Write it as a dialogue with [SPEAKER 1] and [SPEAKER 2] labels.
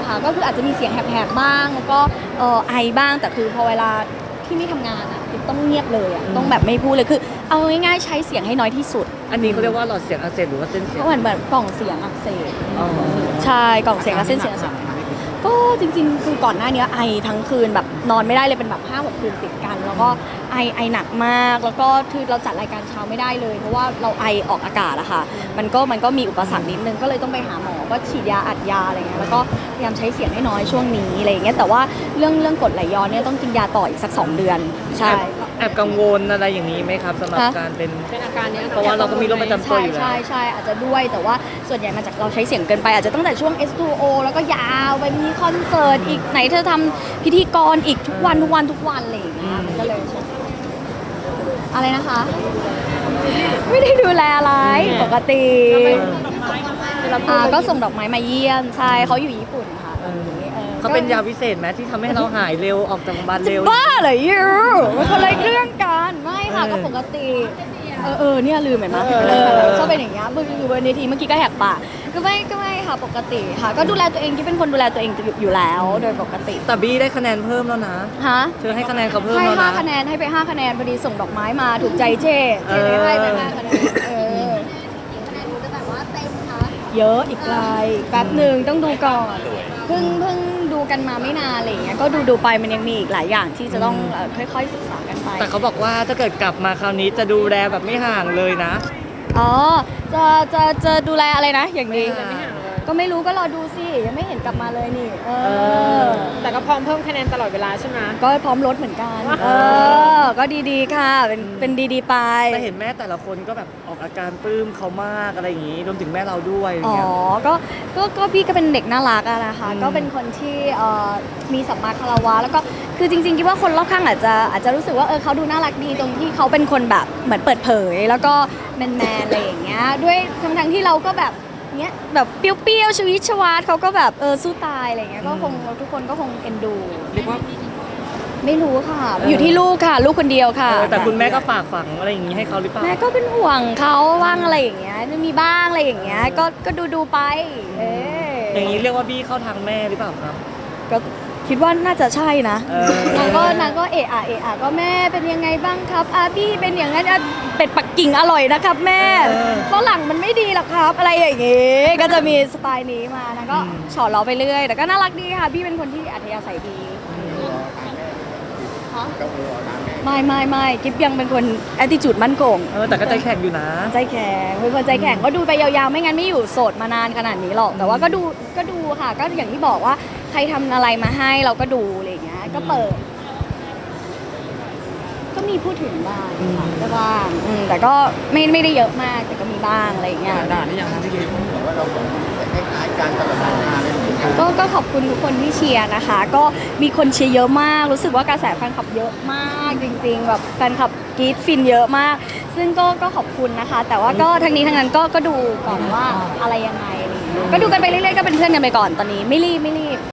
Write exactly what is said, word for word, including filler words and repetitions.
[SPEAKER 1] ค่ะก็คืออาจจะมีเสียงแหบๆบ้างแล้วก็เออไอบ้างแต่คือพอเวลาที่ไม่ทำงานอ่ะต้องเงียบเลยอ่ะต้องแบบไม่พูดเลยคือเอาง่ายๆใช้เสียงให้น้อยที่สุด
[SPEAKER 2] อันนี้เขาเรียกว่าหลอดเสียงอักเสบหรือว่าเส้นเสียง
[SPEAKER 1] ก็เหมือนแบบกล่องเสียงอักเสบใช่กล่องเสียงกับเส้นเสียงอักเสบก็จริงๆคือก่อนหน้านี้ไอทั้งคืนแบบนอนไม่ได้เลยเป็นแบบห้าหกคืนติดกันแล้วก็ไอไอหนักมากแล้วก็คือเราจัดรายการเช้าไม่ได้เลยเพราะว่าเราไอออกอากาศอะค่ะมันก็มันก็มีอุปสรรคนิดนึงก็เลยต้องไปหาหมอก็ฉีดยาอัดยาอะไรเงี้ยแล้วก็พยายามใช้เสียงให้น้อยช่วงนี้อะไรอย่างเงี้ยแต่ว่าเรื่องเรื่องกรดไหลย้อนเนี่ยต้องกินยาต่ออีกสักสองเดือนใช่
[SPEAKER 2] แอบกังวลอะไรอย่างนี้ไหมครับสำหรับการเป็น
[SPEAKER 3] เป็นอาการเนี้ย
[SPEAKER 2] เพราะว่าเราก็มีโรคประจำตัวอยู่แล้ว
[SPEAKER 1] ใช่ใช่อาจจะด้วยแต่ว่าส่วนใหญ่มาจากเราใช้เสียงเกินไปอาจจะตั้งแต่ช่วง เอส ทู โอ แล้วก็ยาวไปมีคอนเสิร์ตอีกไหนเธอทำพิธีกรอีกทุกวันทุกวันทุกวันอะไรอย่างเงี้ยมันก็เลยอะไรนะคะ ไม่ได้ดูแลอะไรปกติอ่าก็ส่งดอกไม้มาเยี่ยมใช่เขาอยู่ญี่ปุ่นค่ะตอนนี้เออ
[SPEAKER 2] เขาเป็นยาวิเศษไหมที่ทำให้เราหายเร็วออกจากโรงพยาบาลเร็ว
[SPEAKER 1] บ้าเหรอยูมันคนละเรื่องกันไม่ค่ะก็ปกติเออเออเนี่ยลืมเห็นไหมเออชอบเป็นอย่างเงี้ยบนอยู่บนเวทีเมื่อกี้ก็แหกปากก็ไม่ก็ไม่ค่ะปกติค่ะ ก็ดูแลตัวเองที่เป็นคนดูแลตัวเองอยู่แล้วโดยปกติ
[SPEAKER 2] แต่บี้ได้คะแนนเพิ่มแล้วนะ
[SPEAKER 1] ฮะ
[SPEAKER 2] เธอให้คะแนนเขาเพิ่ม
[SPEAKER 1] ให้
[SPEAKER 2] แล้วนะ
[SPEAKER 1] ห้าคะแนนให้ไปห้าคะแนนพอดีส่งดอกไม้มาถูกใจเจ๊เจ๊ให้ไปห้าคะแนนเออคะแนนจะแบบว่าเต็มคะเยอะอีกไกลแป๊บหนึ่งต้องดูก่อนเพิ่งเพิ่งดูกันมาไม่นานอะไรอย่างเงี้ยก็ดูดูไปมันยังมีอีกหลายอย่างที่จะต้องค่อยๆศึกษากันไป
[SPEAKER 2] แต่เขาบอกว่าถ้าเกิดกลับมาคราวนี้จะดูแลแบบไม่ห่างเลยนะ
[SPEAKER 1] อ๋อจะจะจะดูแลอะไรนะอย่างนี้ก็ไม่รู้ก็รอดูสิยังไม่เห็นกลับมาเลยนี่เออ
[SPEAKER 3] แต่ก็พร้อมเพิ่มคะแนนตลอดเวลาใช่ไหม
[SPEAKER 1] ก็พร้อมลดเหมือนกันเออก็ดีๆค่ะเป็นเป็นดีๆไป
[SPEAKER 2] แต่เห็นแม่แต่ละคนก็แบบออกอาการปลื้มเขามากอะไรอย่างนี้รวมถึงแม่เราด้วย
[SPEAKER 1] อ๋อก็ก็ก็พี่ก็เป็นเด็กน่ารักอะนะคะก็เป็นคนที่เอ่อมีสัมมาคารวะแล้วก็คือจริงๆคิดว่าคนรอบข้างอาจจะอาจจะรู้สึกว่าเออเขาดูน่ารักดีตรงที่เขาเป็นคนแบบเหมือนเปิดเผยแล้วก็แมนๆอะไรอย่างเงี้ยด้วยทั้งๆที่เราก็แบบเนี้ยแบบเปรี้ยวๆชีวิตชวาดเขาก็แบบเออสู้ตายอะไรเงี้ยก็คงทุกคนก็คงเอ็นดู
[SPEAKER 2] เรียกว่า
[SPEAKER 1] ไม่รู้ค่ะอยู่ที่ลูกค่ะลูกคนเดียวค่ะ
[SPEAKER 2] แต่คุณแม่ก็ฝากฝังอะไรอย่างนี้ให้เขาหรือเปล่า
[SPEAKER 1] แม่ก็เป็นห่วงเขาว่างอะไรอย่างเงี้ยมีบ้างอะไรอย่างเงี้ยก็ก็ดูดูไปเออ
[SPEAKER 2] อย่างนี้เรียกว่าบี้เข้าทางแม่หรือเปล่าครับ
[SPEAKER 1] ก็คิดว่าน่าจะใช่นะนางก็นางก็เอะอะเอะอะก็แม่เป็นยังไงบ้างครับอาบี้เป็นอย่างนั้นเป็ดปักกิ่งอร่อยนะครับแม่ฝรั่งมันไม่ดีหรอกครับอะไรอย่างงี้ก็จะมีสไตล์นี้มานะก็ฉอดล้อไปเรื่อยแต่ก็น่ารักดีค่ะพี่เป็นคนที่อัธยาศัยดีไม่ไม่ไม่กิ๊บยังเป็นคนแอตติจูดมั่นคง
[SPEAKER 2] เออแต่ก็ใจแข็งอยู่นะ
[SPEAKER 1] ใจแข็งเป็นคนใจแข็งก็ดูไปยาวๆไม่งั้นไม่อยู่โสดมานานขนาดนี้หรอกแต่ว่าก็ดูก็ดูค่ะก็อย่างที่บอกว่าใครทำอะไรมาให้เราก็ดูอะไรอย่างเงี้ยก็เปิดก็มีพูดถึงบ้างค่ะก็บ้างแต่ก็ไม่ไม่ได้เยอะมากแต่ก็มีบ้างอะไรอย่างเงี้ย
[SPEAKER 2] ด่านี่ยังนะพี่กิ๊บ
[SPEAKER 4] ว่าเราคล้ายๆการตลอดงานเลย
[SPEAKER 1] ก็ก็ขอบคุณทุกคนที่เชียร์นะคะก็มีคนเชียร์เยอะมากรู้สึกว่ากระแสแฟนคลับเยอะมากจริงๆแบบแฟนคลับกรี๊ดฟินเยอะมากซึ่งก็ก็ขอบคุณนะคะแต่ว่าก็ทั้งนี้ทั้งนั้นก็ก็ดูก่อนว่าอะไรยังไงอะไรอย่างเงี้ยก็ดูกันไปเรื่อยๆก็เป็นเพื่อนกันไปก่อนตอนนี้ไม่รีบไม่รีบ